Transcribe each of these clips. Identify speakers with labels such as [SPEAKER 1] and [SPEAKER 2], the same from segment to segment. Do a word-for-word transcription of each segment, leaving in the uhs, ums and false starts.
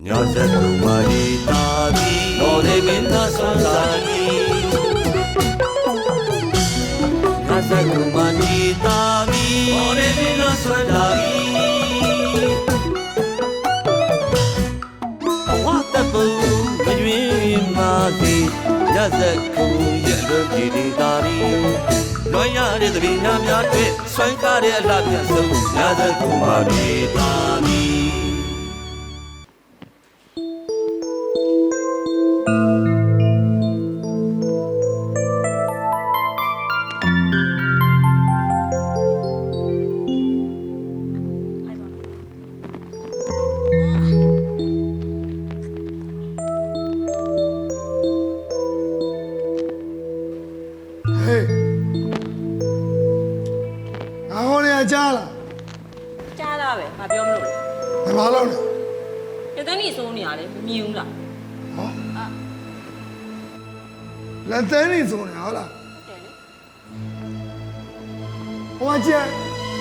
[SPEAKER 1] Nyasa kumari tadi Nore minta sandali Nyasa kumari tadi Nore minta sandali Watapu Majwi mati Nyasa kumari tadi Loya de bina myatwe Swankare labya so Nyasa kumari tadi
[SPEAKER 2] ကြားလား
[SPEAKER 3] ကြားတာပဲငါပြောမလို့လေ
[SPEAKER 2] ဘာလို့လဲ
[SPEAKER 3] တသန်းကြီးစိုးနေရတယ်မမြင်ဘူးလား
[SPEAKER 2] ဟောလက်သန်းနေစုံနေဟုတ်လား
[SPEAKER 3] ဟုတ်တယ်လေ
[SPEAKER 2] ဟိုကျန်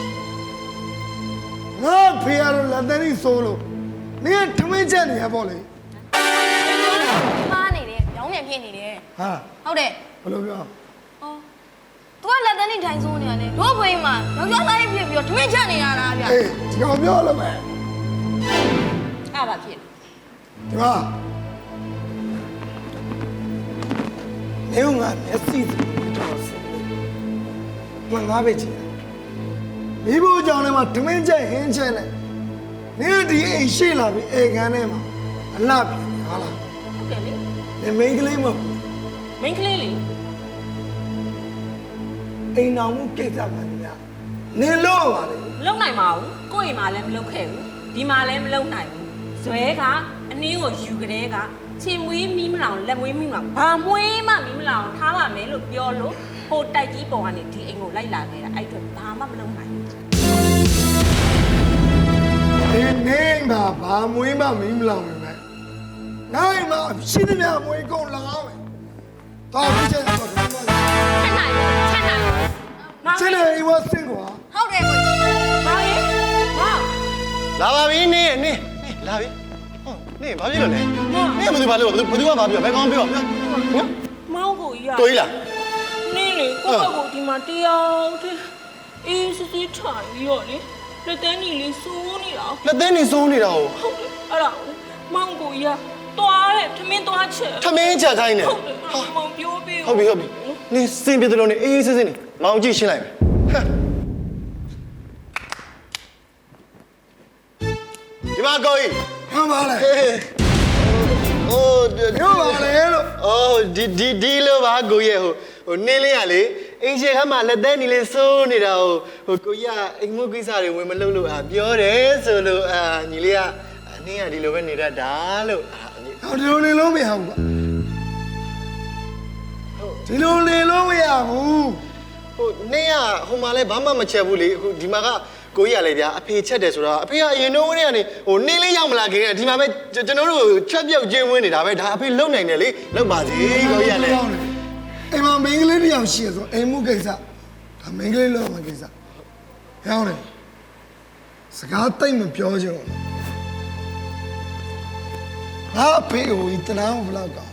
[SPEAKER 2] ငါဖေရလို့လက်သန်းနေစုံလို့နင်ကထမင်းချက်နေရပေါ့လေ
[SPEAKER 4] မားနေတယ်ရောင်းမြန်ဖြစ်နေတယ်
[SPEAKER 2] ဟာ
[SPEAKER 4] ဟုတ်တယ်
[SPEAKER 2] ဘယ်လိုပြော
[SPEAKER 4] ဟော तू ကလက်တန်းနေထိုင်ဆိုးနေရတယ်တို့ဘွေးမှာယောက်ျားသားလေးဖြစ်ပြီးတော့ထမင်းချက်နေရတာဗျ
[SPEAKER 2] အေးဒီကောင်ပြောလို့မယ်
[SPEAKER 3] အဲ့ပါဖြစ်
[SPEAKER 2] ဒီမှာနေဦးငါမျက်စိတော်စမငါပဲကြည့်မိဖို့ကြောင့်လည်းမထမင်းချက်ဟင်းချက်နဲ့နင်ဒီအိမ်ရှိလာပြီအေကန်ထဲမှာအလှပြန်ဟာလား
[SPEAKER 3] ဟုတ်တယ်လေ
[SPEAKER 2] နင်မိန်းကလေးမဟုတ်
[SPEAKER 3] မင်းကလေးလေ
[SPEAKER 2] အိမ်တော်မှုကိစ္စမှန်များနင်လို့ပါလေ
[SPEAKER 3] မလုံနိုင်ပါဘူးကိုယ့်အိမ်မှာလည်းမလုံခဲ့ဘူးဒီမှာလည်းမလုံနိုင်ဘူးဇွဲကအနည်းကိုယူကြတဲ့ကချင်းမွေးမီးမလောင်လက်မွေးမီးမလောင်ဘာမွေးမှမီးမလောင်ထားပါမယ်လို့ပြောလို့ဟိုတိုက်ကြီးပေါ်ကနေဒီအိမ်ကိုလိုက်လာခဲ့တာအဲ့အတွက်ဘာမှမလုံနိုင်ဘူး
[SPEAKER 2] ဒီနေတာဘာမွေးမှမင်းမလောင်နေမယ်နိုင်မှာရှိသမျှမွေးကုန်လကားမယ်တော့ဒီချက်တော့ဒီမှာ
[SPEAKER 4] ချက်နိုင်ချက်နိုင်
[SPEAKER 3] မောင်
[SPEAKER 2] ချက်နေအိမ်ဝဆင်းကွာ
[SPEAKER 4] ဟုတ်တယ်ကို
[SPEAKER 3] မောင်ရေမောင်
[SPEAKER 5] လာပါပြီနင်းနင်းလာပြီဟုတ်နင်းဘာဖြစ်လို့လဲနင်းဘယ်သူဘာလို့ဘယ်သူကဘာပြောဘယ်ကောင်ပြောပြောနော်
[SPEAKER 3] မောင်ကိုကြီးရ
[SPEAKER 5] ကိုကြီးလား
[SPEAKER 3] နင်းလေကိုယ့်ဘက်ကိုဒီမှာတရားတည်းအေးစစ်စစ်ထိုင်ပြီးတော့လေလက်တန်းကြီးလေးစိုးနေတာ
[SPEAKER 5] လက်သေးနေစိုးနေတာကို
[SPEAKER 3] ဟုတ်တယ်အဲ့ဒါမောင်ကိုကြီးကတွားတယ်ထမင်းတွားချက်
[SPEAKER 5] ထမင်းချက်ခိုင်းနေ
[SPEAKER 3] ဟုတ်တယ်မောင်ပြောပေး
[SPEAKER 5] ဟုတ်ပြီဟုတ်ပြီနင်းစင်ပြတယ်လို့နေအေးအေးဆေးဆေးနေမောင်ကြည့်ရှင်းလိုက်မယ်ဟမ်ဒီမှာကိုကြီး
[SPEAKER 2] ဟမ်ပါလေ
[SPEAKER 5] ဟိုး
[SPEAKER 2] ပြောပါလေလို့
[SPEAKER 5] အော်ဒီဒီဒီလိုပါကိုကြီးဟိုဟိုနင်းလေးကလေအင်ရှင်ခမ်းမှာလက်သေးနေလေးစိုးနေတာဟိုဟိုကိုကြီးကအိမ်မုတ်ကိစ္စတွေဝင်မလုပ်လို့အာပြောတယ်ဆိုလို့အာညီလေးကအနင်းကဒီလိုပဲနေတတ်တာလို့အာညီ
[SPEAKER 2] ဟောဒီလိုနေလို့မရဘူးကွာဒီလိုနေလို့မရဘူး
[SPEAKER 5] ဟိုနင်းကဟိုမှာလဲဘာမှမချက်ဘူးလေအခုဒီမှာကကိုကြီးကလည်းဗျာအဖေချက်တယ်ဆိုတော့အဖေကအရင်တော့ကနေဟိုနင်းလေးရောက်မလာခင်ကဒီမှာပဲကျွန်တော်တို့ချက်ပြုတ်ချင်းဝင်နေတာပဲဒါအဖေလုံနိုင်တယ်လေလုံပါစေကိုကြီးကလည်း
[SPEAKER 2] အိမ်မှာမိန်းကလေးတစ်ယောက်ရှိရဆိုအိမ်မှုကိစ္စဒါမိန်းကလေးလောက်မှကိစ္စဟောင်းလေစကားတိတ်မပြောချင်ဘူးငါအဖေကိုတနာဘလောက်ကော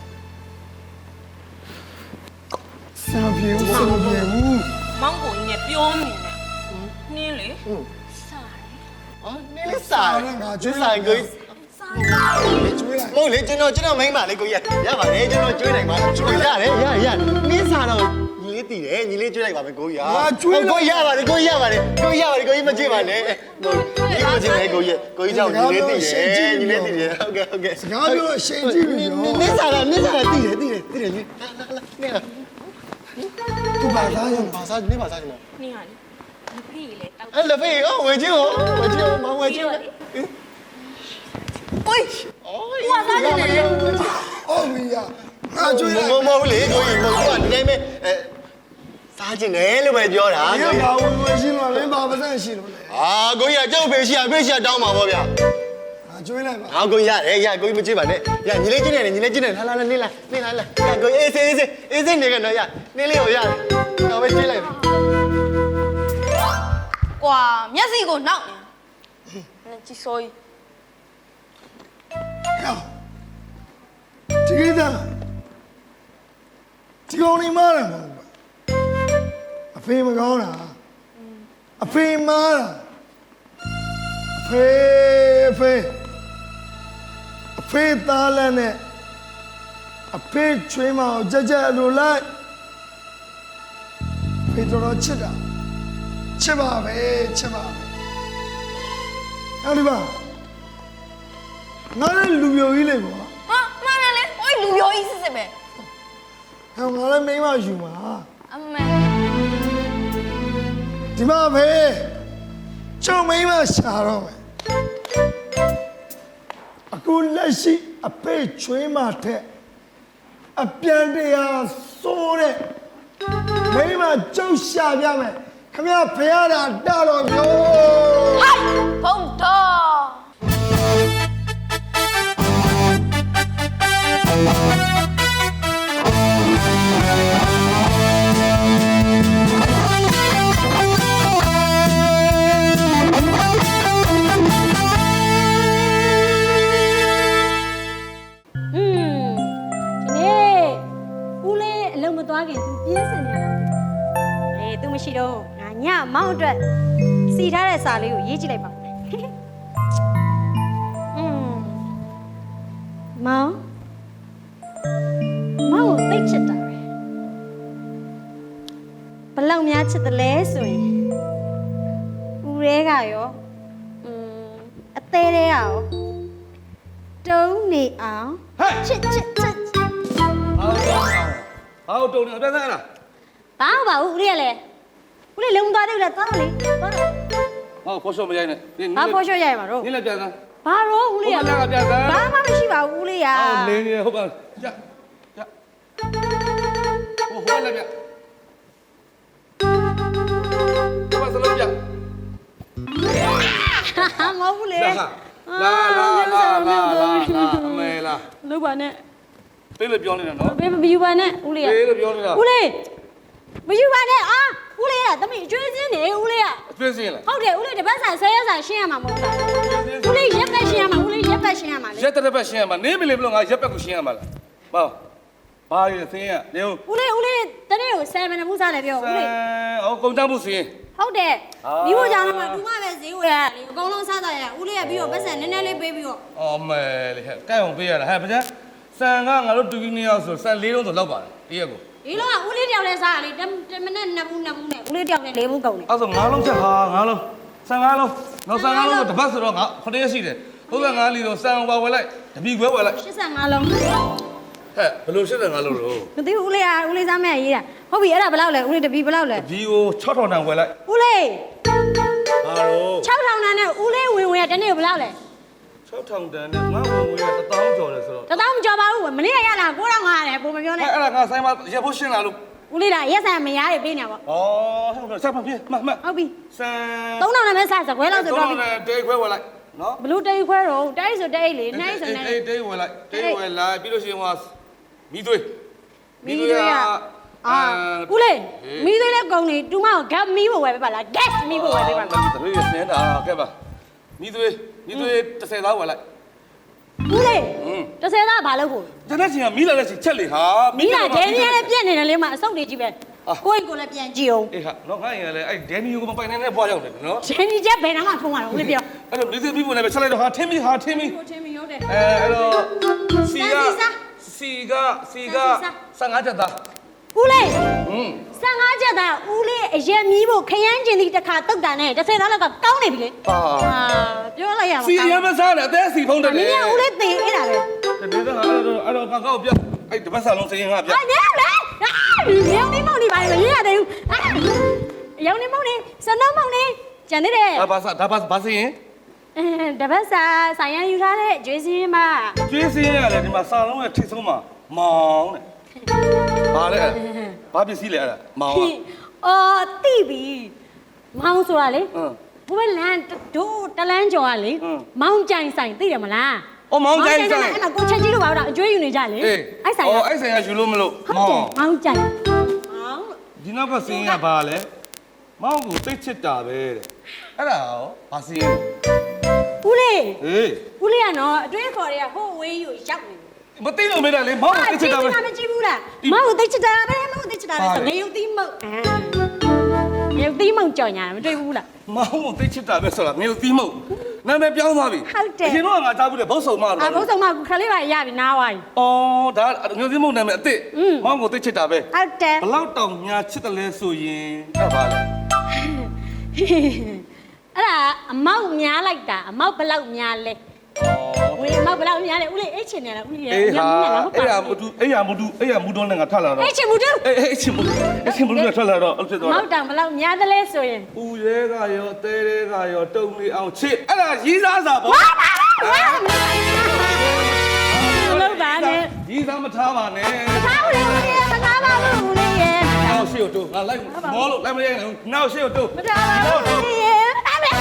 [SPEAKER 2] ဆင်မပြေဘူးဆင်မပြေဘူး
[SPEAKER 3] မောင်ကိုကြီးနဲ့ပြောနေတယ်နင်းလေ
[SPEAKER 5] အော်နင်းလေးစားငါကျွေးဆိုင်ကိုကြီး
[SPEAKER 2] ကျွေးလိုက်
[SPEAKER 5] မဟုတ်လေကျွန်တော်ကျွန်တော်မိန်းမလေးကိုကြီးရပါတယ်ကျွန်တော်ကျွေးနိုင်ပါကျွေးရတယ်ရရနင်းစားတော့ညီလေးတည်တယ်ညီလေးကျွေးလိုက်ပါမယ်ကိုကြီးဟာကိုကြီးရပါတယ်ကိုကြီးရပါတယ်ကိုကြီးရပါတယ်ကိုကြီးမကြည့်ပါနဲ့ဟိုညီမကြည့်မယ်ကိုကြီးကိုကြီးကြောင့်ညီလေးတည်တယ်ညီလေးတည်တယ်ဟုတ်ကဲ့ဟုတ်ကဲ့
[SPEAKER 2] စကားပြောအရှိန်ကြည့်ပြီရော
[SPEAKER 5] နင်းစားတော့နင်းစားတော့တည်တယ်တည်တယ်တည်တယ်နင်းလာလာနင်း
[SPEAKER 2] သူပါသားရော
[SPEAKER 5] ဘာစားနင်းဘာစားနေမ
[SPEAKER 3] နင်းဟာလေမဖေးလေတောက်
[SPEAKER 5] အဲ့လက်ဖေးဟောဝယ်ချင်းဟောဝယ်ချင်းမောင်ဝယ်ချင်း
[SPEAKER 4] အိုး
[SPEAKER 5] အော်
[SPEAKER 4] ဟိုကစားနေတယ်
[SPEAKER 2] ဟုတ်ပြီရငါကျွေးလိုက်
[SPEAKER 5] မမဟုတ်လေကိုကြီးမဟုတ်ကဒီတိုင်းပဲအဲစားခြင်းတယ်လို့ပဲပြောတာ
[SPEAKER 2] ဒီကဘာဝင်ဝင်ရှင်းလို့လင်းပါပါစန့်ရှိလို့လေ
[SPEAKER 5] အာကိုကြီးကကြောက်ဖေးရှိရဖေးရှိရတောင်းပါဗောဗျာ
[SPEAKER 2] ငါကျွေးလိုက်ပါ
[SPEAKER 5] ဟာကိုကြီးရတယ်ရကိုကြီးမကြည့်ပါနဲ့ရညီလေးချင်းနေညီလေးချင်းနေလာလာနေလာနေလာလာရကိုကြီးအေးစေးအေးစေးအေးစေးနေကတော့ရနေလေးကိုရတယ်တော့ပဲကြည့်လိုက်
[SPEAKER 4] ကွာမျက်စိကိုနောက်နေကြည့်စိုးကြီး
[SPEAKER 2] ဟဒီကိစ္စဒီကောင်နေမားတယ်မဟုတ်ဘူးအဖေမကောင်းတာအဖေမားတာအဖေအဖေအဖေသားလည်းနဲ့အဖေချွေးမအောင်ကြက်ကြက်လိုလိုက်ဖေတော်တော်ချစ်တာချစ်ပါပဲချစ်ပါပဲအဲ့ဒီပါငါလည်းလူမျိုးကြီးလေကွာ
[SPEAKER 4] ဟာမှန်တယ်လေဟိုလူပြောကြီးစစ်စစ်ပဲ
[SPEAKER 2] ဟောငါလည်းမိန်းမယူမှာ
[SPEAKER 4] အမေ
[SPEAKER 2] ဒီမှာပဲကျုံမိန်းမရှာတော့မယ်အခုလက်ရှိအဖေချွေးမထက်အပြန်တရားစိုးတဲ့မိန်းမကျုပ်ရှာပြမယ်ခမရဖရတာတတော်မျိုး
[SPEAKER 4] ဟိုက်ဘုံတော်
[SPEAKER 6] อืมဒီနေ့ဦးလေးအလုံးမသွားခင် तू ပြင်းစင်နေတာလေ तू မရှိတော့ငါညမောင်းအတွက်စီထားတဲ့စာလေးကိုရေးကြည့်လိုက်ပါอืมမောင်းမောင်းကိုသိချစ်တာပဲဘလောက်များချစ်တယ်လဲဆိုရင်ဦးရဲကရောอืมအသေးသေးကရောတုံးနေအောင်ချစ်ချစ်ချစ်
[SPEAKER 1] 好တုံနေပြန်စားလား
[SPEAKER 6] ဘာမှမပါဘူးဦးလေးကလည်းဦးလေးလုံးသွားတယ်လေသွားတော့လေသွားတော့
[SPEAKER 1] ဟောဖော်ရှော့မရိုင်းနဲ့နင်း
[SPEAKER 6] ဘာဖော်ရှော့ရရမှာတော့
[SPEAKER 1] နင်းလည်းပြန်စား
[SPEAKER 6] ဘာတော့ဦးလေးက
[SPEAKER 1] ဟိုဘက်ကပြန်စား
[SPEAKER 6] ဘာမှမရှိပါဘူးဦးလေးက
[SPEAKER 1] ဟောလင်းနေဟုတ်ပါကြကြဟိုဟိုလည်းပြန်ဘာစလုံးပြန်
[SPEAKER 6] ဟာမဟုတ်ဘူးလေ
[SPEAKER 1] လာလာလာလာလာလာအမေလာ
[SPEAKER 6] လို့ပါနဲ့
[SPEAKER 1] ပေးလို့ပြောနေတာနော်
[SPEAKER 6] ဘေးမယူပါနဲ့ဦးလေးက
[SPEAKER 1] ပေးလို့ပြောနေတာ
[SPEAKER 6] ဦးလေးမယူပါနဲ့အာဦးလေးကတမီးအကျွေးစင်းနေဦးလေးက
[SPEAKER 1] ပြင်းစင်းလား
[SPEAKER 6] ဟုတ်တယ်ဦးလေးတပတ်ဆိုင်ဆဲရဆိုင်ရှင်းရမှာမဟုတ်လားဦးလေးရက်ပတ်ရှင်းရမှာဦးလေးရက်ပတ်ရှင်းရမှာလေ
[SPEAKER 1] ရက်တဲ့ဘက်ရှင်းရမှာနေမလို့မလို့ငါရက်ဘက်ကိုရှင်းရမှာလားဘာဘာရစင်းရနေဦး
[SPEAKER 6] ဦးလေးဦးလေးတနေ့ကိုဆယ်မနမှုစားတယ်ပြောဦးလေး
[SPEAKER 1] ဟောကုန်တန်းမှုစင်း
[SPEAKER 6] ဟုတ်တယ်
[SPEAKER 1] အာ
[SPEAKER 6] မိဖို့ကြောင့်တော့တူမပဲဈေးဝယ်ရလေအကုန်လုံးစားတာရဦးလေးကပြီးတော့ပတ်စံနည်းနည်းလေးပေးပြီးတော့
[SPEAKER 1] အော်မဲလေဟဲ့ကြိုက်အောင်ပေးရတာဟဲ့ဗျာဆန်ကငါတို့တူကြီးနှစ်ယောက်ဆိုဆန်လေးလုံးဆိုလောက်ပါတယ်တရက်ကို
[SPEAKER 6] ဒီလုံးကဦးလေးတယောက်လဲစားရလေတမနဲ့နှစ်ဘူးနှစ်ဘူးနဲ့ဦးလေးတယောက်နဲ့လေးဘူးကုန်တယ်
[SPEAKER 1] အဲ့ဆိုငါးလုံးချက်ဟာငါးလုံးဆန်ငါးလုံးနောက်ဆန်ငါးလုံးကိုတစ်ပတ်ဆိုတော့ငါခုနှစ်ရက်ရှိတယ်ဟုတ်ကဲ့ငါးလီတော့ဆန်ဝယ်ဝယ်လိုက်တပီခွဲဝယ်လိုက်
[SPEAKER 6] ရှစ်ဆယ်ငါးလုံး
[SPEAKER 1] ဟဲ့ဘယ်လိုရှင်းတယ်ငါလို့လို့
[SPEAKER 6] မသိဘူးဦးလေးကဦးလေးစားမရရေးတာဟုတ်ပြီအဲ့ဒါဘယ်လောက်လဲဦးလေးတပီဘယ်လောက်လဲ
[SPEAKER 1] ဒီကို၆ထောင်တန်ဝယ်လိုက်
[SPEAKER 6] ဦးလေး
[SPEAKER 1] ဘာလို့
[SPEAKER 6] ၆ထောင်တန်းနဲ့ဦးလေးဝင်ဝင်ရတနေ့ကိုဘယ်လောက်လဲ
[SPEAKER 1] ၆ထောင်တန်နဲ့ငါ့ဝင်ဝင်ရတစ်သောင်းကျော်တယ်ဆိုတော့
[SPEAKER 6] တသောင်းမကြော်ပါဘူးမနေ့ကရတာကိုးထောင်ငါရတယ်ပုံမပြောနဲ့
[SPEAKER 1] အဲ့ဒါငါဆိုင်မှာရက်ဖို့ရှင်းလာလို့
[SPEAKER 6] ဦးလေးကရက်ဆန်မရရပေးနေပါ
[SPEAKER 1] ဩဟုတ်တယ်ဆက်ပါပြေမှတ်မှတ်
[SPEAKER 6] ဟုတ်ပြီ
[SPEAKER 1] ဆန်
[SPEAKER 6] သုံးထောင်နဲ့ပဲစားစကွဲလောက်ဆိုတော့
[SPEAKER 1] သုံးထောင်နဲ့တေးခွဲဝယ်လိုက်နော်
[SPEAKER 6] ဘလူးတိတ်ခွဲတော့တိုက်ဆိုတိုက်လေနိုင်ဆိုနိုင်
[SPEAKER 1] တေးတေးဝယ်လိုက်တေးဝယ်လိုက်ပြီးလို့ရှိရင်ဟောမီးသွေး
[SPEAKER 6] မီးသွေးရအာဦးလေးမီးသွေးလည်းကုန်နေတူမကိုဂတ်မီးဖို့ဝယ်ပေးပါလား gas မီးဖို့ဝယ်ပေးပါလား
[SPEAKER 1] တပည့်စင်းတာကဲပါမီးသွေးမီးသွေးတစ်ဆယ်သားဝယ်လိုက်
[SPEAKER 6] ဦးလေး
[SPEAKER 1] ဟွန်း
[SPEAKER 6] တစ်ဆယ်သားဘာလုပ်ဖို့
[SPEAKER 1] ကျန်တဲ့ချင်းကမီးလာတဲ့ချင်းချက်လေဟာ
[SPEAKER 6] မီးကဒဲနီကလည်းပြက်နေတယ်လေမအဆုတ်တွေကြီးပဲကိုယ့်ကိုယ်လည်းပြန်ကြည့်အောင်
[SPEAKER 1] အေးဟာတော့ငါရင်လည်းအဲ့ဒဲနီကိုမပိုင်နေတဲ့ဘွားရောက်တယ်နော်
[SPEAKER 6] ဒဲနီချက်ဘယ်တော့မှဖုံးရတော့ဦးလေးပြော
[SPEAKER 1] အဲ့တော့မီးသွေးပြီးပုံနဲ့ပဲချက်လိုက်တော့ဟာထင်းမီဟာထင်းမီ
[SPEAKER 6] ကိုချင်းမရုံးတယ်
[SPEAKER 1] အဲအဲ့တော့စီကစီကစီကဆန်ငါးချက်သား
[SPEAKER 6] ဦးလေး
[SPEAKER 1] ဟွန်း
[SPEAKER 6] ဆန်ကားချက်သားဦးလေးအရက်မီးဖို့ခရမ်းကျင်သည့်တစ်ခါတုတ်တာနဲ့တစ်ဆယ်သားလောက်ကကောင်းနေပြီလေ
[SPEAKER 1] ဟာ
[SPEAKER 6] အာပြောလိုက်ရမှာ
[SPEAKER 1] စီရမစားနဲ့အသေးစီဖုံးတယ်
[SPEAKER 6] မ
[SPEAKER 1] လေ
[SPEAKER 6] င်းကဦးလေးသေအဲ့ဒါပဲ
[SPEAKER 1] ဒီတော့အဲ့တော့အဲ့တော့ကောက်ကောက်ပြအဲ့တပတ်စာလုံးစရင်ငါပြ
[SPEAKER 6] အာနေလေရောင်နေမောင်နေပါလေမရရသေးဘူးအာရောင်နေမောင်နေစနမောင်နေကျန်သေးတယ်
[SPEAKER 1] ဒါဘာစာဒါဘာဘာစရင်
[SPEAKER 6] အဲတပတ်စာဆိုင်ရန်ယူထားတဲ့ကျွေးစင်းမ
[SPEAKER 1] ကျွေးစင်းရတယ်ဒီမှာစာလုံးရဲ့ထိတ်ဆုံးမှာမောင်းတဲ့ဘာလဲဘာပစ္စည်းလဲအဲ့ဒါမောင်း
[SPEAKER 6] အော်တိပြီမောင်ဆိုတာလေ
[SPEAKER 1] ဟမ်
[SPEAKER 6] ဘဝလန်တို့တလန်းကျော်ကလေ
[SPEAKER 1] ဟမ်
[SPEAKER 6] မောင်ကြိုင်ဆိုင်သိတယ်မလား
[SPEAKER 1] အော်မောင်းကြိုင်ဆိုင်
[SPEAKER 6] အဲ့မှာကိုချက်ကြီးလို့ပါတော့အကျွေးယူနေကြလေ
[SPEAKER 1] အေး
[SPEAKER 6] အဲ့ဆိုင်က
[SPEAKER 1] အော်အဲ့ဆိုင်ကယူလို့မလို့
[SPEAKER 6] ဟုတ်တယ်မောင်ကြိုင်မောင်
[SPEAKER 1] ဒီနောက်ကစင်းကဘာလဲမောင်းကိုသိချစ်တာပဲတဲ့အဲ့ဒါရောဘာစင်းလဲ
[SPEAKER 6] ဦးလေး
[SPEAKER 1] ဟေး
[SPEAKER 6] ဦးလေးကနော်အတွင်းခေါ်တွေကဟိုဝေးယူရောက်နေ
[SPEAKER 1] မသိလို့မေးတာလေမောင်ကိုသိချစ်တာပဲ
[SPEAKER 6] မကြည့်ဘူးလားမောင်ကိုသိချစ်တာပဲမောင်ကိုသိချစ်တာပဲဆိုငရုတ်သီးမုတ်ငရုတ်သီးမုတ်ကြော်ညာမတွေ့ဘူးလား
[SPEAKER 1] မောင်ကိုသိချစ်တာပဲဆိုတာငါတို့သီးမဟုတ်နာမည်ပြောင်းသွားပြီ
[SPEAKER 6] ဟုတ်တယ်
[SPEAKER 1] အရင်တော့ငါကြားဘူးလေဘုတ်ဆုံမလို့
[SPEAKER 6] အဘုံဆောင်မခလေးပါရပြီနားဝိုင်း
[SPEAKER 1] အော်ဒါငါတို့သီးမဟုတ်နာမည်အစ်စ်
[SPEAKER 6] อืม
[SPEAKER 1] မောင်ကိုသိချစ်တာပဲ
[SPEAKER 6] ဟုတ်တယ်
[SPEAKER 1] ဘလောက်တောင်များချစ်တယ်လဲဆိုရင်အဲ့ပါလေ
[SPEAKER 6] အဲ့ဒါအမောက်များလိုက်တာအမောက်ဘလောက်များလဲဝင်အမောက်ဘလောက်များလဲဦးလေးအိတ်ချင်နေလားဦးလေး
[SPEAKER 1] အေးဟာ
[SPEAKER 6] ညမဟုတ်ပါ
[SPEAKER 1] အဲ့ရမတူအဲ့ရမတူအဲ့ရမူတော့နဲ့ငါထလာတော့
[SPEAKER 6] အိတ်ချင်ဘူးတူ
[SPEAKER 1] အေးအေးချင်းမလို့အချင်းမလို့ထွက်လာတော့အဲ့ဖြစ်သွား
[SPEAKER 6] မောက်တောင်ဘလောက်များတယ်လဲဆိုရင်
[SPEAKER 1] ဦးရဲကရောအသေးရဲကရောတုံလေးအောင်ချစ်အဲ့ဒါရီးစားစာပေါ့
[SPEAKER 6] ဝါပါဝါလောက်ပါနဲ့
[SPEAKER 1] ရီးစားမထားပါနဲ့
[SPEAKER 6] သားဦးလေးဦးလေးမသားပါဘူးဦးလေးရဲ့
[SPEAKER 1] နောက်ရှေ့ကိုတိုးငါလိုက်မောလို့လိုက်မရနိုင်ဘူးနောက်ရှေ့ကိုတိုး
[SPEAKER 6] မသားပါဘူးဦးလေးရဲ့အမေ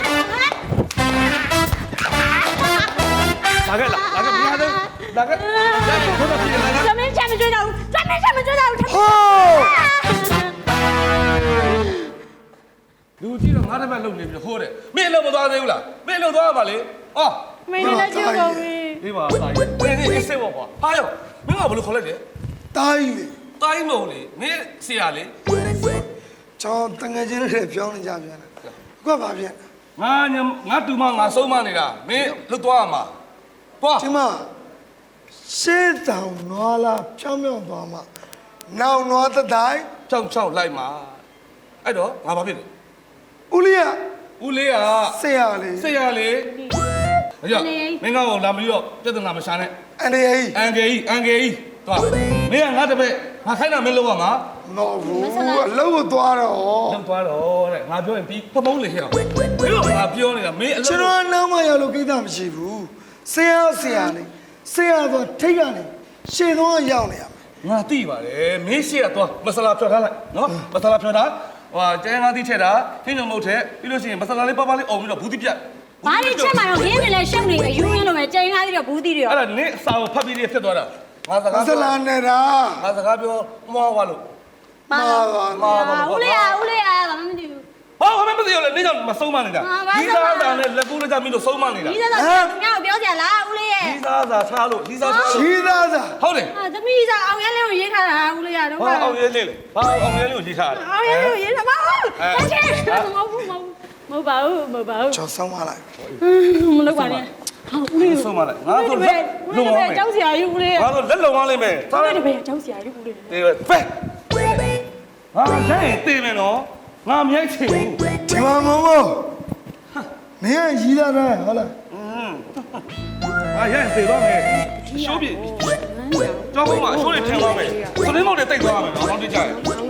[SPEAKER 1] လာခဲ့လားလာခဲ့မရသေးလာခဲ့လာခဲ့ဘယ်မှာဖြစ်လာလဲ
[SPEAKER 6] သမင်းချက်မကြွတော့ဘူးသမင်းချက်မကြွတော့ဘူး
[SPEAKER 2] ဟိုး
[SPEAKER 1] လူကြီးတော့ငါတစ်ပတ်လုံနေပြီဟိုးတယ်မင်းလုံမသွားသေးဘူးလားမင်းလုံသွားပါလေအော်
[SPEAKER 6] မင်းလည်းကြည့်ကုန်ပြီ
[SPEAKER 1] ဒီမှာဆိုင်မင်းဒီစေဘောကွာဟာရောမင်းကဘယ်လိုခေါ်လိုက်လဲ
[SPEAKER 2] တိုင်းလေ
[SPEAKER 1] တိုင်းမဟုတ်လေမင်းဆရာလေ
[SPEAKER 2] ချောင်းတငယ်ချင်းတွေပြောင်းနေကြပြန်တယ်ကွက်ပါပြန်
[SPEAKER 1] ငါညငါတူမငါဆုံးမနေတာမင်းလွတ်သွားရမှာသွား
[SPEAKER 2] ဒီမှာရှေးတောင်နွားလာဖြောင်းဖြောင်းသွားမှာနောင်နွားတတိုင်း
[SPEAKER 1] ချောင်းချောင်းလိုက်မှာအဲ့တော့ငါဘာဖြစ်လဲ
[SPEAKER 2] ဦးလေးက
[SPEAKER 1] ဦးလေးက
[SPEAKER 2] ဆရာလေး
[SPEAKER 1] ဆရာလေအကြမင်းကတော့လာမပြီးတော့ပြဿနာမရှာနဲ့
[SPEAKER 2] အန်ဒီအေး
[SPEAKER 1] အန်ဂေကြီးအန်ဂေကြီးသွားမင်းကငါတပည့်ငါခိုင်းတာမင်းလုပ်ရမှာ
[SPEAKER 2] နော်ဘူးအလုံးကိုသွားတော့
[SPEAKER 1] လုပ်သွားတော့တဲ့ငါပြောရင်ပြီးဖမုံးလေဟဲ့မင်းတို့ငါပြောနေတာမင်းအလုပ်
[SPEAKER 2] ကျွန်တော်နောက်မှရောက်လို့ကိစ္စမရှိဘူးဆရာဆရာလေးဆရာဆိုထိတ်ကနေရှေ့တော့ရောက်နေရမယ်
[SPEAKER 1] ငါသိပါတယ်မင်းရှိရသွားမဆလာဖြော်ထားလိုက်နော်မဆလာဖြော်ထားဟိုကျဲငါသိထက်တာခင်းညုံမဟုတ်တဲ့ပြီးလို့ရှိရင်မဆလာလေးပါပါလေးအုံပြီးတော့ဘူးတိပြတ်
[SPEAKER 6] ဘာလို့ချက်မှာတော့ခင်းနေလဲရှုပ်နေအယူရင်းလိုပဲကြိန်ကားသေးတော့ဘူးသေးတယ်
[SPEAKER 1] အဲ့ဒါနင်းအစာကိုဖတ်ပြီးလေးဖြစ်သွားတာငါစကား
[SPEAKER 2] ဆလာနေတာ
[SPEAKER 1] ငါစကားပြောမွားသွားလို့
[SPEAKER 2] မာပါ
[SPEAKER 1] မွားပါ
[SPEAKER 6] ဦးလေးအားဦးလေးအားဘာမှမသိဘူး
[SPEAKER 1] ဘာမှမသိရလဲနင်းကြောင့်မဆုံးမနေတာဒီသားသားနဲ့လက်ကူးလက်ကြမင်းတို့ဆုံးမနေတာ
[SPEAKER 6] ဒီစားစားငါ့ကိုပြောကြလားဦးလေးရဲ့
[SPEAKER 1] ဒီသားသားထားလို့ဒီသားထားလို့
[SPEAKER 2] ရှိသားစား
[SPEAKER 1] ဟုတ်တယ်
[SPEAKER 6] အာသမီးစားအောင်ရဲလေးကိုရေးထားတာဦးလေးကတော့
[SPEAKER 1] ဘာအောင်ရဲလေးလေဘာအောင်ရဲလေးကိုရေးထားတယ်
[SPEAKER 6] အောင်ရဲလေးကိုရေးထားပါဦးအချင်းမဟုတ်ဘူးမဟုတ်မဟုတ်ပါဘူးမဟုတ်ပါဘူး
[SPEAKER 2] ချောင်းဆောင်ပါလိုက်
[SPEAKER 6] မလုပ်ပါနဲ့ဟာဦးလေး
[SPEAKER 1] ဆုံးမလိုက်ငါတို့လက်လုံအောင်မယ်
[SPEAKER 6] ကျောင်းဆရာကြီးဦးလေး
[SPEAKER 1] ငါတို့လက်လုံအောင်လိမ့်မယ်
[SPEAKER 6] ဦးလေးတပည့်ကျောင်းဆရာကြီးဦးလေး
[SPEAKER 1] တေးပဲငါလက်ရင်တေးမယ်နော်ငါမြိုက်ချင်ဘူး
[SPEAKER 2] ဒီမှာမမောမင်းကရီးသားတယ်ဟုတ်လား
[SPEAKER 1] ငါရဲတေးတော့မယ်ရှိုးပြကြောက်ဖို့မှာရှိုးနေထင်သွားမယ်စလင်းမောက်တွေတိတ်သွားမယ်နော်ဟောင်းတိကျရင်ဟေး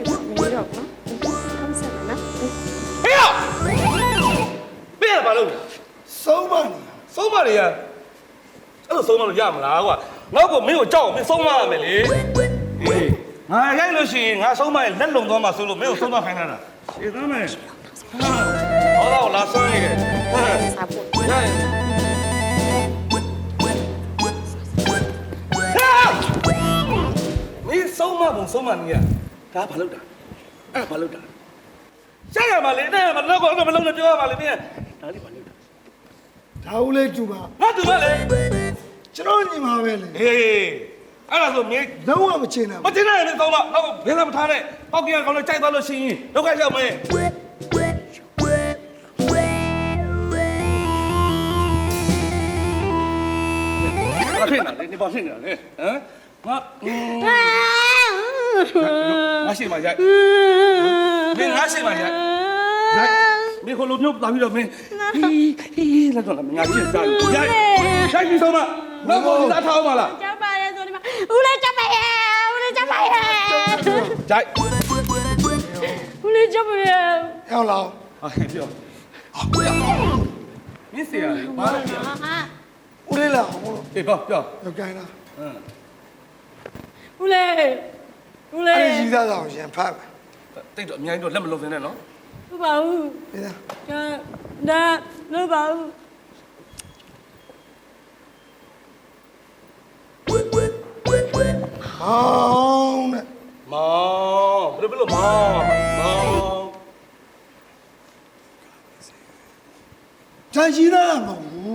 [SPEAKER 1] ရဘယ်ဘာလို့
[SPEAKER 2] ဆုံးပါနေ
[SPEAKER 1] ဆုံးမတွေရအဲ့လိုဆုံးမလို့ရမလားကွာနောက်ကမင်းကိုကြောက်မင်းဆုံးမရမယ်လေဟေးငါရိုက်လို့ရှိရင်ငါဆုံးမရင်လက်လုံသွားမှာဆိုလို့မင်းကိုဆုံးမခိုင်းတာရှင်းသားမယ်ဟောတော့လာဆွဲနေတယ်ဟဲ့ရိုက်မင်းဆုံးမပုံဆုံးမနေရဒါဘာလုပ်တာအဲ့ဘာလုပ်တာဆက်ရမှာလေတဲ့မလောက်တော့မလုံးနဲ့ပြောရမှာလေမင်းဒါလေးဘာလုပ်တာ
[SPEAKER 2] ဒါဦးလေးတူပါ
[SPEAKER 1] ငါတူမလေ
[SPEAKER 2] ကျွန်တော်ညီမပဲလေ
[SPEAKER 1] ဟေးအဲ့ဒါဆိုမင်း
[SPEAKER 2] လုံးဝမချင်တာ
[SPEAKER 1] မတင်နိုင်ရင်သုံးတော့တော့ဘယ်လာမထားနဲ့ပောက်ကင်ကောင်လည်းကြိုက်သွားလို့ရှိရင်ဒုက္ခရောက်မယ်ဘာဖြစ်နေလဲဒီဘာဖြစ်နေလဲဟမ်ငါငါရှိမှရိုက်မင်းငါရှိမှရိုက်ရိုက်မင်းခလုံးမျိုးလာပြီးတော့မင်းဟီးလက်တော့ငါကြည့်စားရိုက်ရိုက်ပြီးဆုံးမနောက်ကိုလာထားအောင်မလား
[SPEAKER 6] ကျောင်းပါရဲဆိုဒီမှာဦးလေးကျောင်းပါရဲဦးလေးကျောင်းပါရဲ
[SPEAKER 1] ရိုက်
[SPEAKER 6] ဦးလေးကျောင်းပါရဲ
[SPEAKER 2] ရောက်လာ
[SPEAKER 1] ဟာပြောမင်းစီရဘာလဲပြော
[SPEAKER 6] ဟာ
[SPEAKER 2] ဦးလေးလာဟို
[SPEAKER 1] အေးပြောပြော
[SPEAKER 2] လောက်ကိုင်းလာ
[SPEAKER 1] ဟမ်
[SPEAKER 6] ဦးလေးဦးလေး
[SPEAKER 2] အဲ့ဒီရီးသားဆောင်ရှင်ဖတ်မယ်
[SPEAKER 1] တိတ်တော့အများကြီးတော့လက်မလုံးစင်းနဲ့နော်
[SPEAKER 6] ဟုတ်ပါဘူး
[SPEAKER 2] ဒီလား
[SPEAKER 6] ဒါဒါလို့ပါဘူး
[SPEAKER 2] ဟောင်းနဲ့
[SPEAKER 1] မောင်ဘယ်လိုမောင်မောင်
[SPEAKER 2] ဂျာရီးသားမဟုတ်ဘူး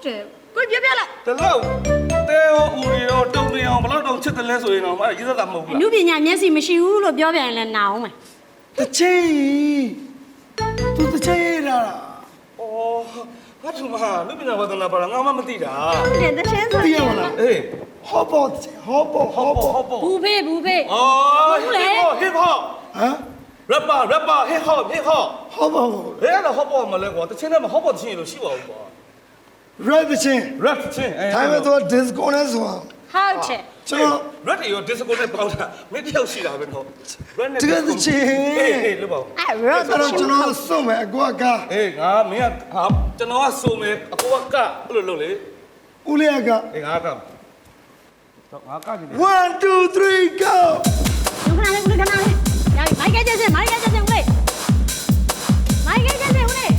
[SPEAKER 6] တယ်ကိုပြောပြလိုက်
[SPEAKER 1] တလောက်တဲရောဦးရီရောတုံနေအောင်ဘလောက်တောင်ချစ်တယ်လဲဆိုရင်တော့မရေးသက်တာမဟုတ်ဘူး
[SPEAKER 6] အမှုပညာမျက်စိမရှိဘူးလို့ပြောပြန်ရင်လည်းနာအောင်မယ်
[SPEAKER 2] တချေသူတချေလာ
[SPEAKER 1] အော်ဘာသူမလူပညာဝါသနာပါလားငါမှမသိတာ
[SPEAKER 6] တဲ့တချင်းဆို
[SPEAKER 2] သိရမလား
[SPEAKER 1] အေး
[SPEAKER 2] ဟောပေါ်ဟောပေါ်ဟောပေါ်
[SPEAKER 1] ဟုတ်ပေါ့
[SPEAKER 6] ဘူးဖေးဘူးဖေး
[SPEAKER 1] အော် hip hop
[SPEAKER 2] ဟမ်
[SPEAKER 1] rapper rapper hip hop hip hop
[SPEAKER 2] ဟောပေါ်
[SPEAKER 1] ဘယ်ကတော့ hop မလဲကွာတချင်းနဲ့မ hop တချင်းလို့ရှိပါဘူးကွာ
[SPEAKER 2] red ချင်း
[SPEAKER 1] rap ချင်းအဲ
[SPEAKER 2] ဒါပေမဲ့သူ disco နဲ့ဆိုတာ
[SPEAKER 6] ဟုတ်တယ်
[SPEAKER 2] ကျွန်တော်
[SPEAKER 1] rap တွေရော disco နဲ့ပေါင်းတာမင်းတယောက်ရှိတာပဲနော် rap နဲ့
[SPEAKER 2] တကယ်ချင်း
[SPEAKER 1] အေးအေးလို့ပါ
[SPEAKER 6] အဲ့ရော
[SPEAKER 2] အဲ့တော့ကျွန်တော်စုံမယ်အကွာက
[SPEAKER 1] အေးငါမင်းကဟာကျွန်တော်ကစုံမယ်အကိုကအဲ့လိုလုပ်လေ
[SPEAKER 2] ဦးလေးက
[SPEAKER 1] အေးငါကတော့ငါကကြည့်တယ်
[SPEAKER 2] one two three go
[SPEAKER 6] လူခဏလေးလူခဏလေးညာမိုက်ကဲကျစင်မိုက်ကဲကျစင်ဦးလေးမိုက်ကဲကျစင်ဦးလေး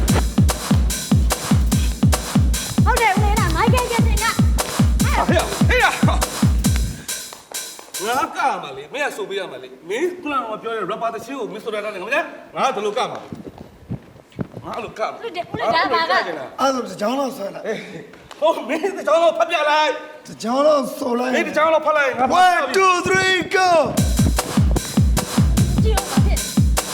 [SPEAKER 6] ဟုတ်တယ်ဦးလေးလားမိုက်ကဲကျစင်က
[SPEAKER 1] ဟေးဟေးငါကမှာလေမင်းကဆိုပေးရမှာလေမင်းခုနကပြောတဲ့ rapper တချင်းကိုမင်းဆိုတာနဲ့ငါမလဲငါတို့လိုကမှာငါအဲ့လိုကမှာ
[SPEAKER 6] ဦးလေးဦးလေးဒါပါက
[SPEAKER 2] အဲ့ဒါတကြောင်တော့ဆွဲလိုက်
[SPEAKER 1] ဟုတ်မင်းတကြောင်တော့ဖတ်ပြလိုက်
[SPEAKER 2] တကြောင်တော့ဆိုလိုက်
[SPEAKER 1] မင်းတကြောင်တော့ဖတ်လိုက်ငါ
[SPEAKER 2] one two three go
[SPEAKER 6] ကြည့်အောင်ပါဖြစ်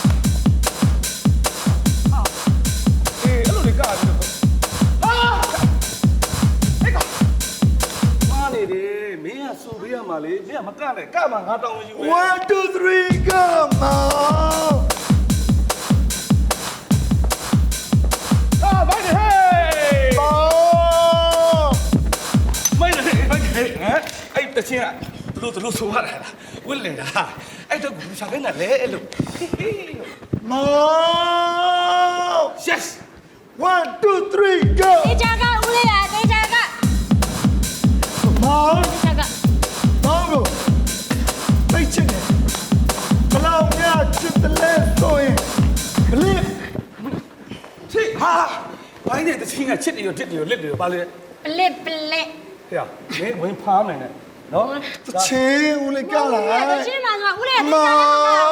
[SPEAKER 1] အေးအဲ့လိုလေကပြီးတော့ဟာဟဲ့ကမာနေတယ်မင်းကဆိုပေးရမှာလေမင်းကမကနဲ့ကမှာငါတောင်းယူမယ်
[SPEAKER 2] one two three go မောင်
[SPEAKER 1] အာဘိုင်ဟေး
[SPEAKER 2] မောင်
[SPEAKER 1] မိုင်းလေမိုင်းလေဟမ်အဲ့တချင်းကဘလို့ဘလို့ဆိုရတာဝစ်လေတာအဲ့တော့ကိုစားခိုင်းတာလေအဲ့လို
[SPEAKER 2] မောင်
[SPEAKER 1] yes
[SPEAKER 2] one two three go
[SPEAKER 6] တေချာကဦးလေးလားတေချာက
[SPEAKER 2] မောင်
[SPEAKER 6] တေချာက
[SPEAKER 2] မောင်ကိုသိချင်တယ်ဘလောက်များချစ်တယ်လဲဆိုရင်ဘလစ်
[SPEAKER 1] ချစ်ဟာဘိုင်းတဲ့တချင်းကချစ်တယ်ရောတစ်တယ်ရောလက်တယ်ရောပါလေ
[SPEAKER 6] ပလစ်ပလစ်
[SPEAKER 1] ဟေ့မင်းဝင်ဖားမယ်နဲ့နော်
[SPEAKER 2] တချေဦးလေးကလာ
[SPEAKER 6] တချင်းမှာဆိုဦးလေးတေ
[SPEAKER 2] မော
[SPEAKER 6] ချာ
[SPEAKER 2] င်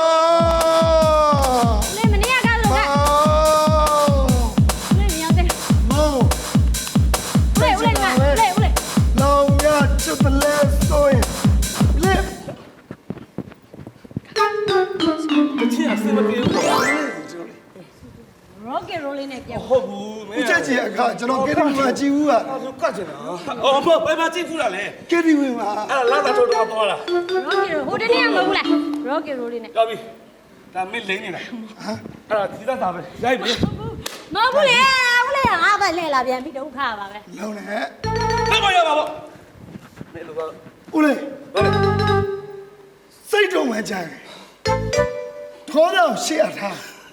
[SPEAKER 6] ဦးလေးမနေ့ကလို့က
[SPEAKER 2] မောင်
[SPEAKER 6] ဦးလေးမြောက်တယ်
[SPEAKER 2] မောင်
[SPEAKER 6] ဦးလေးဦးလေးကဦးလေးဦးလေး
[SPEAKER 2] လောင်ရချစ်တယ်လဲဆိုရင်ဘလစ်
[SPEAKER 1] တချင်းအစမပြေဘူးပေါ့
[SPEAKER 6] ရော့ကက်ရိုလေးနဲ့ပြောင်း
[SPEAKER 1] ဟုတ်ဘူးမ
[SPEAKER 2] ဦး
[SPEAKER 1] င်း
[SPEAKER 2] ချက်ကြီးအခါကျွန်တော်ကေတီဝီမှာကြည်ဦးက
[SPEAKER 1] အဲ့ဒါကတ်ချင်တာအော်မဘယ်မှာကြည့်ဖူးတာလဲ
[SPEAKER 2] ကေတီဝီမှာ
[SPEAKER 1] အဲ့ဒါလာတာတော့တော့သွားတာ
[SPEAKER 6] ရော့ကက်ရိုဟိုတနေ့ကမဟုတ်ဘူးလားရော့ကက်ရိုလေးနဲ့
[SPEAKER 1] ကြောက်ပြီဒါမင်းလိမ့်နေတာအဲ့ဒါဒီသားသားပဲရိုက်ပြီ
[SPEAKER 6] မဟုတ်ဘူးလေဦးလေးကငါပဲလှည့်လာပြန်ပြီးဒုက္ခပါပဲ
[SPEAKER 2] လောင်နေ
[SPEAKER 1] ဘယ်မှာရပါဘောမင်းလိုတော့
[SPEAKER 2] ဦးလေး
[SPEAKER 1] ဟုတ်တယ်
[SPEAKER 2] စိတ်တုံးမှကြတယ်ထောတော့ရှေ့အထား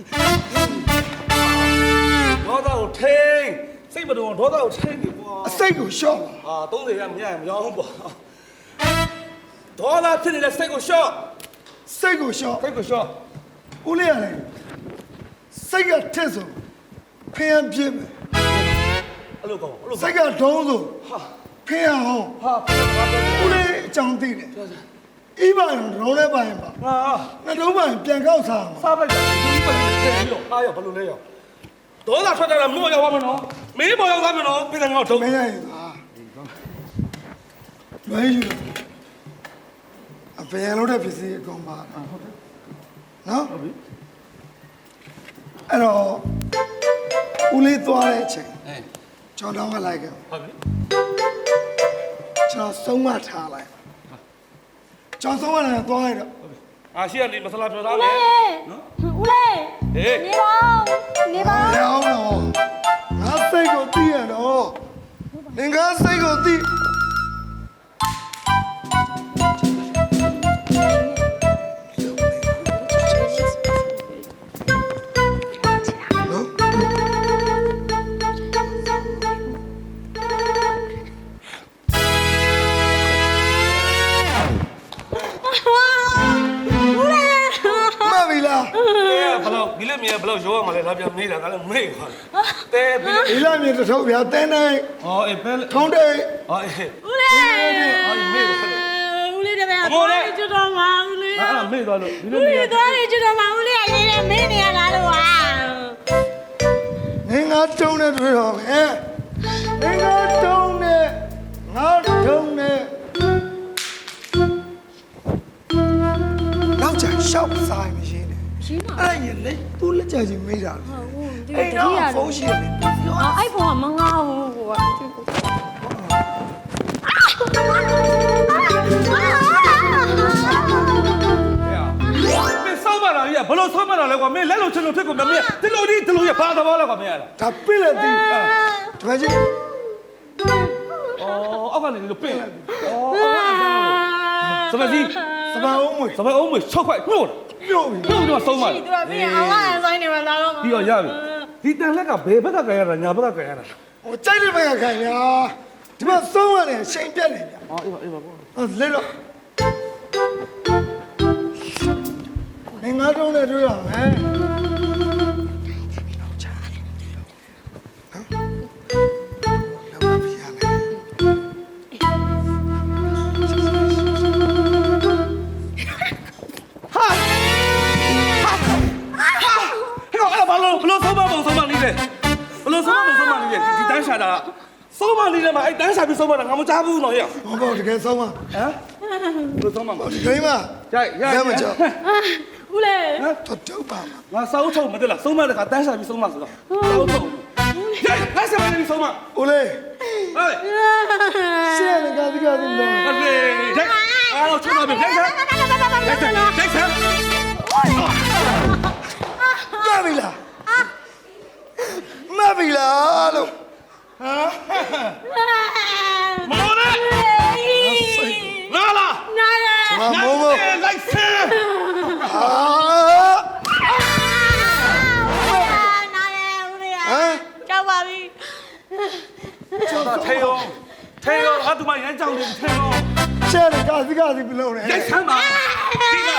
[SPEAKER 1] ဒေါသကိုထိန်စိတ်မတော်ဒေါသကိုထိန်ပြီကွာ
[SPEAKER 2] အစိတ်ကိုရှော့ပါ
[SPEAKER 1] အာသုံးဆယ်ရမရရင်မရောဘူးပေါ့ဒေါသဖြစ်နေတဲ့စိတ်ကိုရှော့
[SPEAKER 2] စိတ်ကိုရှော့
[SPEAKER 1] စိတ်ကိုရှော့
[SPEAKER 2] ဦးလေးရတယ်စိတ်ကထက်ဆိုဖျံပြစ်မယ်
[SPEAKER 1] အဲ့လိုကောအဲ့လို
[SPEAKER 2] စိတ်ကဒုံးဆိုဖျံဟောင်း
[SPEAKER 1] ဟာဘာပြော
[SPEAKER 2] ဦးလေးအကြောင်းသိတယ်အိပါရင်ဒုံးလဲပါရင်ပါ
[SPEAKER 1] ဟာ
[SPEAKER 2] နှလုံးပါရင်ပြန်ကောက်စားမှာ
[SPEAKER 1] စားပိုက်တာဒီပတ်ပြီးထည့်ပြီးတော့အားရဘယ်လိုလဲရောဒေါသထွက်တာမို့ရောက်ပါမနော်မင်းပေါ်ရောက်သွားမနော်ပြည်တယ်ငေါ့ထုံး
[SPEAKER 2] မင်းရရင်သာလွယ်ယူအပယ်လို့တဲ့ပစ္စည်းအကုန်ပါဟုတ်တယ်နော်ဟုတ်ပြီအဲ့တော့ဦးလေးသွားတဲ့အချိန်
[SPEAKER 1] အဲ
[SPEAKER 2] ကျွန်တော်ကလိုက်ခဲ့
[SPEAKER 1] ဟုတ်ပြီ
[SPEAKER 2] ကျွန်တော်ဆုံးမထားလိုက်ကျွန်တော်ဆုံးမထားသွားရတော့
[SPEAKER 1] အာရှိရလေးမဆလာပြောသား
[SPEAKER 6] ဦး
[SPEAKER 1] လေ
[SPEAKER 6] လေးဦးလေး
[SPEAKER 1] ဟေး
[SPEAKER 6] နေပါနေပါ
[SPEAKER 2] ရောင်းတော့ငါစိတ်ကိုသိရတော့ငင်္ဂစိတ်ကိုသိမဗီလာ
[SPEAKER 1] ဘလောက်ဒီလက်မြင်ဘလောက်ရောရမှာလဲလာပြန်မေးတာကလည်းမေးပါတဲပြီး
[SPEAKER 2] ဒီလာမြေတစ်ထုပ်ပြတင်းတိုင်း
[SPEAKER 1] ဟောအေးပဲ
[SPEAKER 2] ထုံးတိတ်
[SPEAKER 1] ဟောအေး
[SPEAKER 6] ဦးလေး
[SPEAKER 1] ဟောမေးတယ်
[SPEAKER 6] ဦးလေးတပည့်သွားကျွတ်တော်မှာဦးလေး
[SPEAKER 1] အဲ့ဒါမေးသွားလို့ဒီ
[SPEAKER 6] ဦး
[SPEAKER 1] လက်မြ
[SPEAKER 6] လေး
[SPEAKER 1] င်
[SPEAKER 6] သွားကျွတ်တော်မှာဦးလေးအရင်ကမင်းနေရလားလို့ဟာ
[SPEAKER 2] ငင်္ဂတုံးနဲ့တွေ့တော့မယ်ငငါတုံးနဲ့ငါတုံးနဲ့နောက်ကျရှောက်ဆိုင်မရှင်းနဲ့
[SPEAKER 6] ရှင်းပါ
[SPEAKER 2] အဲ့ဒါရင်လေသူ့လက်ချကြီးမိတာလေ
[SPEAKER 6] ဟုတ်ဘူးဒီ
[SPEAKER 2] အဲ့
[SPEAKER 6] တ
[SPEAKER 2] တော့
[SPEAKER 6] တိယ
[SPEAKER 2] ဖုန်းရှိတယ်
[SPEAKER 6] အော်အဲ့ဖုန်းကမငါဘူးကွာ
[SPEAKER 1] မင်းစောင်းမလာကြီးကဘလို့စောင်းမလာလဲကွာမင်းလက်လုံးချင်လို့ဖြစ်ကုန်မင်းဒီလိုဒီဒီလိုရဘာသဘောလဲကွာမင်းရလား
[SPEAKER 2] ဒါပြစ်လက်သေးဒီမှာကြီး
[SPEAKER 1] အော်အောက်ကနေလို့ပြင်လိုက်အော်စပစီ
[SPEAKER 2] စပအောင်မွေ
[SPEAKER 1] စပအောင်မ၆ခွက်ညှို့
[SPEAKER 2] ပြုတ်ပြီ
[SPEAKER 1] ညှို့တော့ဆုံးမလား
[SPEAKER 6] ဒီတော့ပြင်အောင်အဆိုင်နေမှာလာတော့
[SPEAKER 1] ပြီးတော့ရပြီဒီတန်လက်ကဘယ်ဘက်ကကြရတာညာဘက်ကကြရတာ
[SPEAKER 2] ဟိုကြိုက်တဲ့ဘက်ကခံရဒီမှာဆုံးရတယ်ရှိန်ပြက်နေဗျ
[SPEAKER 1] အော်အေးပါအေးပါပေါ့
[SPEAKER 2] ဟောလေတော့ငငါတုံးနဲ့တွေ့ရမယ်
[SPEAKER 1] ဘလို့ဘလို့ဆုံးမပုံဆုံးမလေးလေဘလို့ဆုံးမပုံဆုံးမလေးလေဒီတန်းရှာတာဆုံးမလေးလေမအဲ့တန်းရှာပြီးဆုံးမတာငါမကြားဘူးနော်ဟဲ့
[SPEAKER 2] ဟောပေါ့တကယ်ဆုံးမ
[SPEAKER 1] ဟမ်ဘလို့ဆုံးမမ
[SPEAKER 2] ဒီကိမ
[SPEAKER 1] ကြိုက်ရ
[SPEAKER 2] ရမကြောက်
[SPEAKER 6] ဦးလေ
[SPEAKER 2] တော့တော့ပါမ
[SPEAKER 1] ငါစောက်ထုတ်မသိလားဆုံးမတဲ့ခါတန်းရှာပြီးဆုံးမဆိုတော့စောက်ထုတ်ကြိုက်ငါဆက်မနေပြီးဆုံးမ
[SPEAKER 2] ဦးလေး
[SPEAKER 1] ဟဲ့
[SPEAKER 2] ရှေ့ကကားဒီကားဒီလုံး
[SPEAKER 1] ဟဲ့ကြိုက်အားတော့ချုပ်ပါပြီကြိုက်ဆက်ကြိုက်ဆက်ကြိုက်ဆက်
[SPEAKER 2] မပြီလားမပြီလားလို့
[SPEAKER 1] မောနဲ့လာလာ
[SPEAKER 6] နားရ
[SPEAKER 2] မမိုးမိုး
[SPEAKER 1] လိုက်ဆဲ
[SPEAKER 2] ဟာ
[SPEAKER 6] နားရဦးလေ
[SPEAKER 2] ဟမ်
[SPEAKER 6] ကြောက်ပါပြီ
[SPEAKER 1] ထေယောထေယောအတူမရမ်းကြောင်နေထေယော
[SPEAKER 2] ရှေ့ကကားဒီကားဒီဘလုံးနဲ့
[SPEAKER 1] ရိုက်ဆမ်းပါဒီက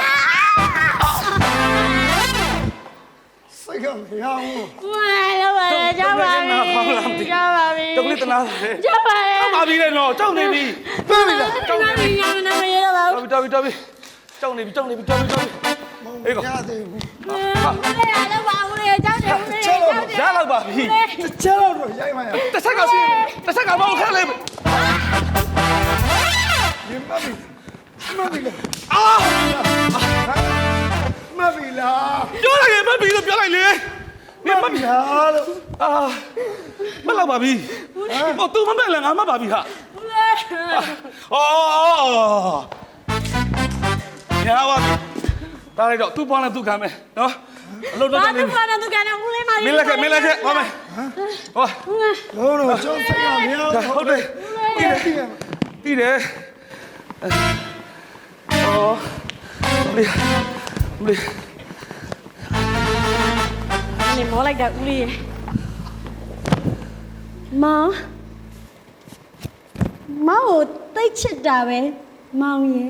[SPEAKER 2] စိတ်ကမရဘူး
[SPEAKER 6] ဦးလေရောက်ပါလေကြောက်ပါပြီကြောက်ပါပြီ
[SPEAKER 1] တကလေးတနာလေ
[SPEAKER 6] ကြောက်ပါလေ
[SPEAKER 1] ပါပြီလေနော်ကြောက်နေပြီ
[SPEAKER 2] မပြီလား
[SPEAKER 6] ကြောက်နေပြီညာနာမရတော့ပါဘူး
[SPEAKER 1] တော်ပြီတော်ပြီတော်ပြီကြောက်နေပြီကြောက်နေပြီကြောက်နေပြီအေးကော
[SPEAKER 2] ရသေးဘူး
[SPEAKER 6] ဦးလေရောက်ပါဦးလေကြောက်တယ်ဦးလေကြောက်တယ်
[SPEAKER 1] ရလောက်ပါပြီ
[SPEAKER 2] တစ်ချက်တော့ရိုက်မှရ
[SPEAKER 1] တစ်ဆက်ကစီတစ်ဆက်ကမောင်းခက်လေ
[SPEAKER 2] ဒီမပြီမပြီလား
[SPEAKER 1] အာ
[SPEAKER 2] မပြီလား
[SPEAKER 1] ပြောလိုက်ရင်မပြီလို့ပြောလိုက်လေမင်းမပြီ
[SPEAKER 2] လားလို့
[SPEAKER 1] အာမလောက်ပါပြီဟို तू မမဲ့လည်းငါမပါပြီဟာ
[SPEAKER 6] ဦးလေ
[SPEAKER 1] အော်ရပါပြီဒါလိုက်တော့ तू ပေါင်းနဲ့ तू ခံမယ်နော်အလုံးတော့
[SPEAKER 6] ဘာ
[SPEAKER 1] နေ
[SPEAKER 6] သူကလည်းသူကလည်းဦးလေးမ
[SPEAKER 1] မင်းလက်ခဲ့မင်းလက်ခဲ့ဟောမယ်ဟော
[SPEAKER 2] လို့တော့ကျောင်းစိတ်ကမရဘူး
[SPEAKER 1] ဟုတ်တယ်
[SPEAKER 2] ပြီးတယ်ပြီးတယ်
[SPEAKER 1] ပြီးတယ်အော်မလေးမလေး
[SPEAKER 6] နေမောလိုက်တာဦးလေးမောင်မောင်ကိုတိတ်ချစ်တာပဲမောင်ရဲ့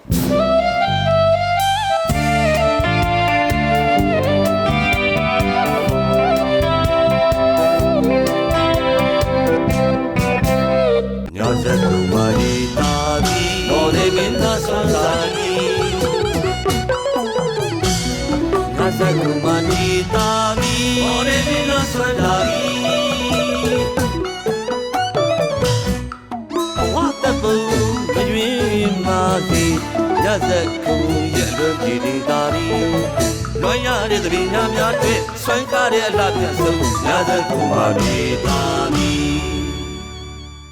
[SPEAKER 7] ညဇက်ကူမာရီတာဒီမော်ရေမင်းသားဆွမ်းစာဒီညဇက်ကူမာရီတာဒီမော်ရေမင်းသားဆွမ်းစာဒီဝတ်တပူမွေမာဒီညဇက်ကူရဲ့လွန်ကြည်ဒီတာဒီလွန်ရတဲ့သဘင်များများတွေ့ဆွမ်းကားတဲ့အလှပြဆုံးညဇက်ကူမာရီတာဒီ